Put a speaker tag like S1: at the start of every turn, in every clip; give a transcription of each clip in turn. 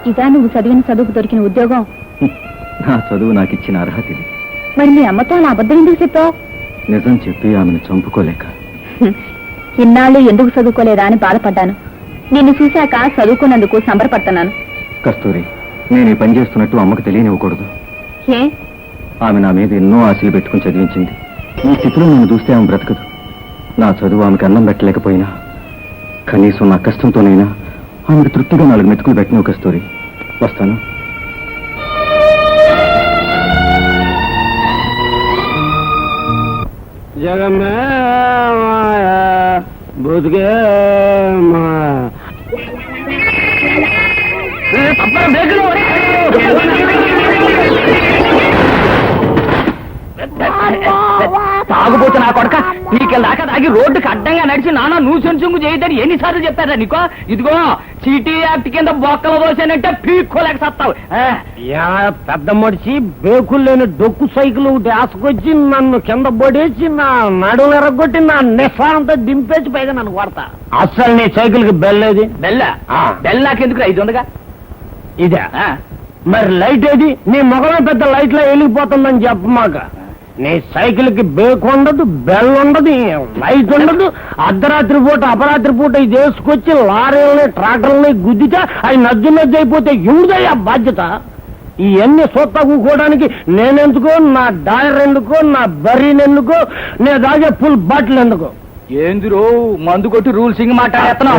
S1: ఇదా నువ్వు చదివిన చదువుకు దొరికిన ఉద్యోగం?
S2: నా చదువు నాకు ఇచ్చిన అర్హత ఇది.
S1: మరి మీ అమ్మతో అలా అబద్ధం ఎందుకు చెప్పావు?
S2: నిజం చెప్పి ఆమెను చంపుకోలేక.
S1: ఇన్నాళ్ళు ఎందుకు చదువుకోలేదా అని బాధపడ్డాను. నిన్ను చూశాక చదువుకున్నందుకు సంబరపడుతున్నాను.
S2: కస్తూరి, నేను ఈ పని చేస్తున్నట్టు అమ్మకు తెలియనివ్వకూడదు.
S1: ఏ?
S2: ఆమె నా మీద ఎన్నో ఆశలు పెట్టుకుని చదివించింది. ఈ స్థితిలో నన్ను చూస్తే ఆమె బ్రతకదు. నా చదువు ఆమెకు అన్నం పెట్టలేకపోయినా కనీసం నా కష్టంతోనైనా ఆమెకు తృప్తిగా 4 మెతుకులు పెట్టినవు కస్తూరి. వస్తాను.
S3: జగమే మాయా బుద్గే మాయా.
S4: తాగుపోతే నా కొడక నీకెళ్ళాక తాగి రోడ్డుకి అడ్డంగా నడిచి నానా నూసెంచుంగు చేయదని ఎన్నిసార్లు చెప్పారా నీకో? ఇదిగో సిటీ యాక్ట్ కింద బొక్కలు పోసానంటే పీక్కోలేక సత్తావు.
S3: పెద్ద మడిచి బేకులు లేని డొక్కు సైకిల్ ఒకటి ఆసుకొచ్చి నన్ను కింద పడేసి నా నడులు ఎరగొట్టి నా నిస్సారంతా దింపేసి పైగా నన్ను కొడతా. అస్సలు నీ సైకిల్ కి బెల్లేది?
S4: బెల్లాకెందుకు 500గా?
S3: ఇదే మరి లైట్ ఏది? నీ మొగమే పెద్ద లైట్ లో వెలిగిపోతుందని చెప్పమాక. నీ సైకిల్ కి బేక్ ఉండదు, బెల్ ఉండదు, లైట్ ఉండదు. అర్ధరాత్రి పూట అపరాత్రి పూట ఇది వేసుకొచ్చి లారీలని ట్రాక్టర్లని గుద్దితే అవి నజ్జు అయిపోతే ఎవరిదయ్యా బాధ్యత? ఇవన్నీ సొత్త కూకోవడానికి నేనెందుకో, నా డాయర్ ఎందుకో, నా బర్రీని ఎందుకో, నేను తాగే ఫుల్ బాటిల్ ఎందుకో?
S4: ఏందిరో మందు కొట్టి రూల్సింగ్ మాట్లాడుతున్నావు?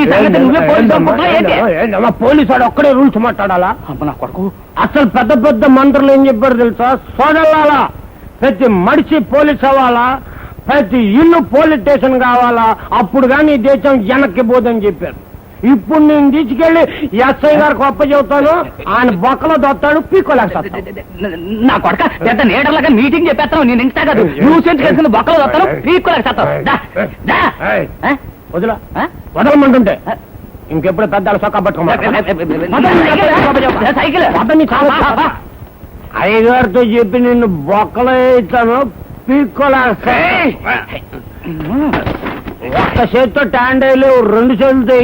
S3: పోలీసు వాడు ఒక్కడే రూల్స్ మాట్లాడాలా?
S4: నా కొడుకు
S3: అసలు పెద్ద పెద్ద మంత్రులు ఏం చెప్పారు తెలుసా? సోదల్లాలా ప్రతి మనిషి పోలీస్ అవ్వాలా, ప్రతి ఇల్లు పోలీస్ స్టేషన్ కావాలా, అప్పుడు కానీ దేశం వెనక్కి పోదని చెప్పారు. ఇప్పుడు నేను తీసుకెళ్లి ఎస్ఐ గారికి అప్ప చెబుతాను, ఆయన బొక్కలో దొత్తాడు, పీక్కోలేక.
S4: నా కొడక పెద్ద లీడర్లాగా మీటింగ్ చెప్పేస్తాను. నేను ఇంత కాదు న్యూసెన్స్ కలిసి బొక్కలో దొత్తాను, పీక్కోలేక.
S3: వదిలా వదలమంటుంటే ఇంకెప్పుడు పెద్ద సొక్క
S4: సైకిల్
S3: అయ్యగారితో చెప్పి నిన్ను బొక్కలో ఇస్తాను, పీక్కోలేక. ఒక్క చేతితో ట్యాండ్ అయ్యలేవు, 2 చేతులతో.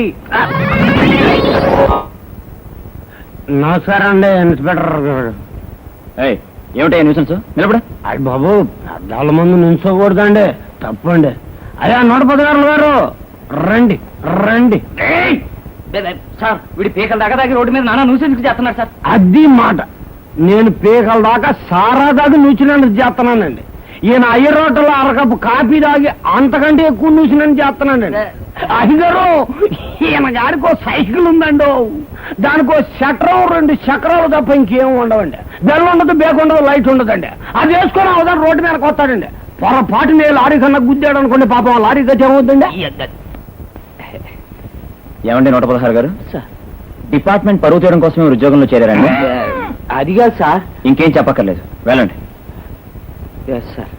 S3: నమస్కారం అండి ఇన్స్పెక్టర్.
S4: ఏమిటా న్యూసెన్స్? నిలబడ.
S3: అయ్యి బాబు, పెద్దాళ్ళ ముందు నిల్చోకూడదండి, తప్పండి. అయ్యా 116 గారు రండి రండి.
S4: సార్ వీడి పీకల దాకా దాకా రోడ్డు మీద నానా న్యూసెన్స్ చేస్తున్నాడు సార్.
S3: అది మాట. నేను పీకల దాకా సారా దాకా నూచినందుకు చేస్తున్నానండి. ఈయన అయ్యరోటలో అరకప్పు కాఫీ తాగి అంతకంటే ఎక్కువ నూసినని చేస్తున్నానండి. అయ్యగారు, ఈయన గారికో సైకిల్ ఉందండి, దానికో చక్రం 2 చక్రాలు తప్ప ఇంకేం ఉండవండి. బెల్ ఉండదు, బేక్ ఉండదు, లైట్ ఉండదండి. అది వేసుకొని అవదాన్ని రోడ్డు మీదకి వస్తాడండి. పొరపాటు నేను లారీ కన్నా గుద్దాడు అనుకోండి, పాపం లారీ గతి ఏమవుతుందండి?
S2: ఏమండి 116 గారు, డిపార్ట్మెంట్ పరువు తీయడం కోసమే ఉద్యోగంలో చేరారండి?
S4: అదిగా సార్.
S2: ఇంకేం చెప్పక్కర్లేదు, వెళ్ళండి.
S4: సార్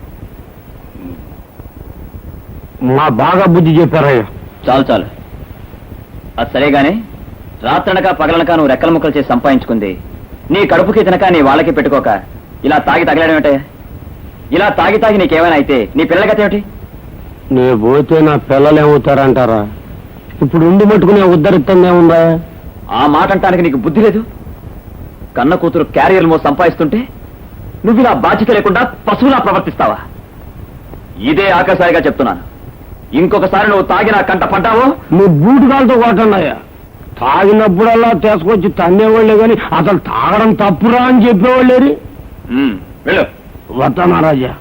S3: మా బాగా బుద్ధి చెప్పారయ్యా.
S2: చాలు చాలు, అది సరేగానే రాత్రనక పగలనక నువ్వు రెక్కల ముక్కలు చేసి సంపాదించుకుంది నీ కడుపుకి తినక నీ వాళ్ళకి పెట్టుకోక ఇలా తాగి తగలేడమేంటే? ఇలా తాగి తాగి నీకేమైనా అయితే నీ పిల్లల గత ఏమిటి?
S3: నీ పోతే నా పిల్లలు ఏమవుతారంటారా? ఇప్పుడు ఉండి మట్టుకునే ఉద్ధరిస్తుందేముందా?
S2: ఆ మాట అంటానికి నీకు బుద్ధి లేదు. కన్న కూతురు క్యారియర్ మో సంపాదిస్తుంటే నువ్వు ఇలా బాధ్యత లేకుండా పశువులా ప్రవర్తిస్తావా? ఇదే ఆకాశాయిగా చెప్తున్నాను. ఇంకొకసారి నువ్వు తాగి నా కంట పడ్డావో
S3: నువ్వు బూటుకాలతో కొట్టన్నాయా. తాగినప్పుడల్లా తీసుకొచ్చి తన్నేవాళ్ళే గాని అసలు తాగడం తప్పురా అని చెప్పేవాళ్ళేరి.
S2: వెళ్ళు.
S3: వస్తానా రాజా.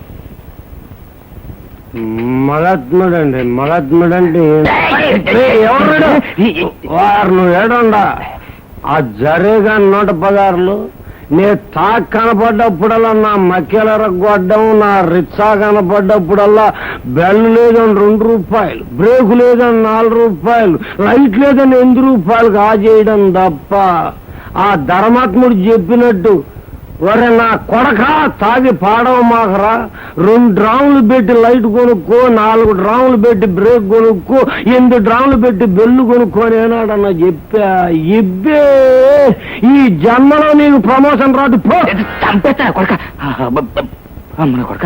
S3: మగాత్ముడండి, మగాత్ముడండి. ఎవరు వారు? నువ్వు ఏడండా ఆ జరేగా 116లు. నే తాక్ కనపడ్డప్పుడల్లా నా మక్కెల రగ్గొడ్డం, నా రిచ్చా కనపడ్డప్పుడల్లా బెల్ లేదని 2 రూపాయలు, బ్రేకు లేదని 4 రూపాయలు, లైట్ లేదని 8 రూపాయలు కాజేయడం తప్ప. ఆ ధర్మాత్ముడు చెప్పినట్టు ఒరే నా కొడక తాగి పాడవ మాకరా, 2 డ్రాములు పెట్టి లైట్ కొనుక్కో, 4 డ్రాములు పెట్టి బ్రేక్ కొనుక్కో, 8 డ్రాములు పెట్టి బెల్లు కొనుక్కోని ఏనాడన్నా చెప్పా. ఇబ్బే ఈ జన్మలో నీకు ప్రమోషన్ రాదు.
S4: చంపేస్తా కొడక, అమ్మ కొడక.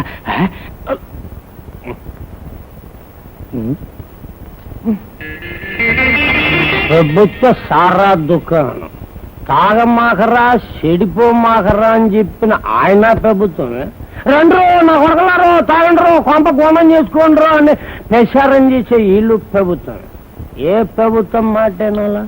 S3: ప్రభుత్వ సారా దుకాణం తాగమాకరా చెడిపోమాకరా అని చెప్పిన ఆయన ప్రభుత్వమే రండ్రు నా కొడకలారు తాగండ్రు కొంప కోణం చేసుకోండ్రు అని ప్రచారం చేసే వీళ్ళు ప్రభుత్వం. ఏ ప్రభుత్వం మాటేనాలా?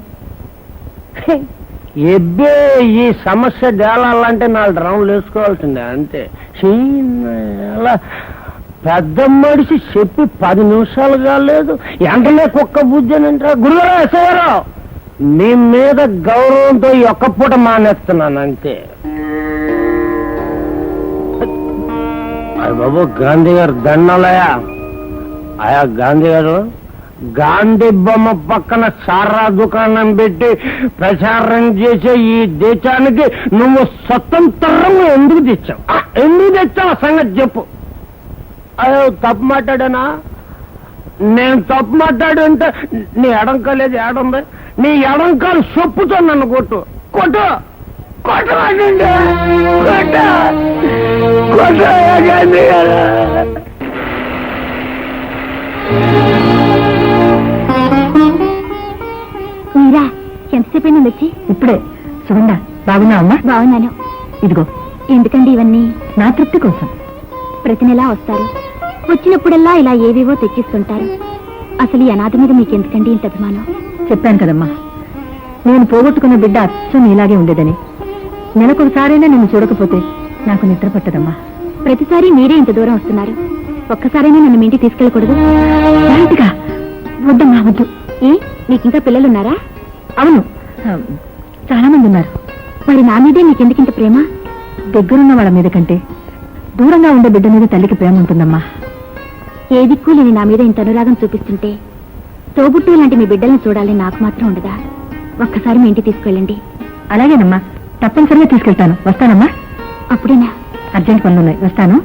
S3: ఎబ్బే ఈ సమస్య తేలాలంటే 4 రౌండ్లు వేసుకోవాల్సిందే అంతే. అలా పెద్ద మనిషి చెప్పి 10 నిమిషాలు కాలేదు వెంటనే కుక్క బుద్ధనంటే గురుగారు ఎస్ఐగారు నీ మీద గౌరవంతో ఈ ఒక్క పూట మానేస్తున్నాను అంతే. అయ్య బాబు గాంధీ గారు దండాలయా. ఆయా గాంధీ గారు గాంధీ బొమ్మ పక్కన సారా దుకాణం పెట్టి ప్రచారం చేసే ఈ దేశానికి నువ్వు స్వతంత్రం ఎందుకు తెచ్చావు? ఎందుకు తెచ్చావు సంగతి చెప్పు. అయ్యో తప్పు మాట్లాడానా? నేను తప్పు మాట్లాడుంటే నీ ఎడంకాలేదు ఏడుంది? నీ ఎడంకాలు చెప్పుతో నన్ను కొట్టు కొట్టు కొట్టమండి కొట్టు గాంధీ గారు.
S1: మీరా ఎంతసేపు అయినా వచ్చి? ఇప్పుడే. సుగంధ బాగున్నా అమ్మా? బాగున్నాను. ఇదిగో. ఎందుకండి ఇవన్నీ? నా తృప్తి కోసం. ప్రతి నెలా వస్తారు, వచ్చినప్పుడల్లా ఇలా ఏవేవో తెచ్చిస్తుంటారు. అసలు ఈ అనాథ మీద మీకెందుకండి ఇంత అభిమానం? చెప్పాను కదమ్మా, నేను పోగొట్టుకున్న బిడ్డ అచ్చం ఇలాగే ఉండేదని. నెలకొకసారైనా నిన్ను చూడకపోతే నాకు నిద్ర పట్టదమ్మా. ప్రతిసారి మీరే ఇంత దూరం వస్తున్నారు, ఒక్కసారైనా నన్ను మీ ఇంటికి తీసుకెళ్ళకూడదు? డైరెక్ట్గా వద్దమ్మా, వద్దు. ఏ, మీకింకా పిల్లలున్నారా? అవును, చాలా మంది ఉన్నారు. మరి నా మీదే మీకెందుకింత ప్రేమ? దగ్గరున్న వాళ్ళ మీద కంటే దూరంగా ఉండే బిడ్డ మీద తల్లికి ప్రేమ ఉంటుందమ్మా. ఏ దిక్కు లేని నా మీద ఇంత అనురాగం చూపిస్తుంటే తోబుట్టు లాంటి మీ బిడ్డల్ని చూడాలని నాకు మాత్రం ఉండదా? ఒక్కసారి మీ ఇంటికి తీసుకెళ్ళండి. అలాగేనమ్మా, తప్పనిసరిగా తీసుకెళ్తాను. వస్తానమ్మా. అప్పుడేనా? అర్జెంట్ పనులున్నాయి, వస్తాను.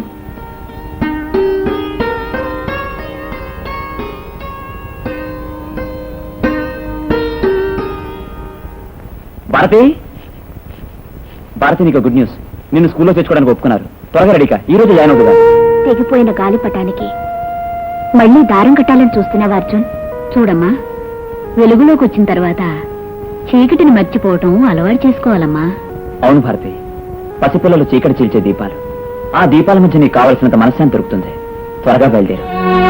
S2: భారతి, భారతి నీకు గుడ్ న్యూస్. నిన్ను స్కూల్లో తెచ్చుకోవడానికి ఒప్పుకున్నారు. త్వరగా రెడీకా, ఈ రోజు జాయిన్ అవుతుందా?
S1: తెగిపోయిన గాలిపటానికి మళ్ళీ దారం కట్టాలని చూస్తున్నావా అర్జున్? చూడమ్మా, వెలుగులోకి వచ్చిన తర్వాత చీకటిని మర్చిపోవటం అలవాటు చేసుకోవాలమ్మా.
S2: అవును భారతి, పసిపిల్లలు చీకటి చీల్చే దీపాలు. ఆ దీపాల మధ్య నీకు కావలసినంత మనశ్శాంతి దొరుకుతుంది. త్వరగా బయలుదేరు.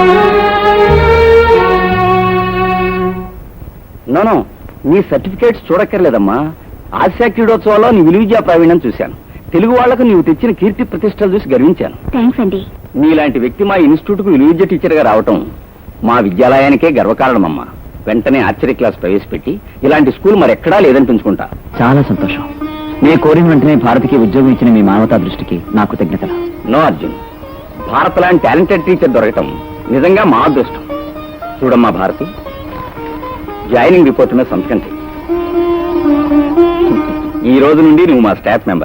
S4: నోనో, నీ సర్టిఫికేట్స్ చూడక్కర్లేదమ్మా. ఆసియా క్రీడోత్సవాల్లో నీ విలువిద్యా ప్రావీణ్యం చూశాను. తెలుగు వాళ్లకు నీవు తెచ్చిన కీర్తి ప్రతిష్టలు చూసి గర్వించాను.
S1: థ్యాంక్స్ అండి.
S4: నీలాంటి వ్యక్తి మా ఇన్స్టిట్యూట్ కు విలువిద్య టీచర్ గా రావటం మా విద్యాలయానికే గర్వకారణమమ్మా. వెంటనే ఆర్చరీ క్లాస్ ప్రవేశపెట్టి ఇలాంటి స్కూల్ మరెక్కడా లేదనిపించుకుంటా.
S2: చాలా సంతోషం. నేను కోరిన వెంటనే భారతికి ఉద్యోగం ఇచ్చిన మీ మానవతా దృష్టికి నా కృతజ్ఞతలు.
S4: నో అర్జున్, భారత్ లాంటి టాలెంటెడ్ టీచర్ దొరకటం నిజంగా మా అదృష్టం. చూడమ్మా భారతి, జాయినింగ్ రిపోర్ట్ మీద సంతకం చెయ్యి. ఈ రోజు నుండి నువ్వు మా స్టాఫ్ మెంబర్.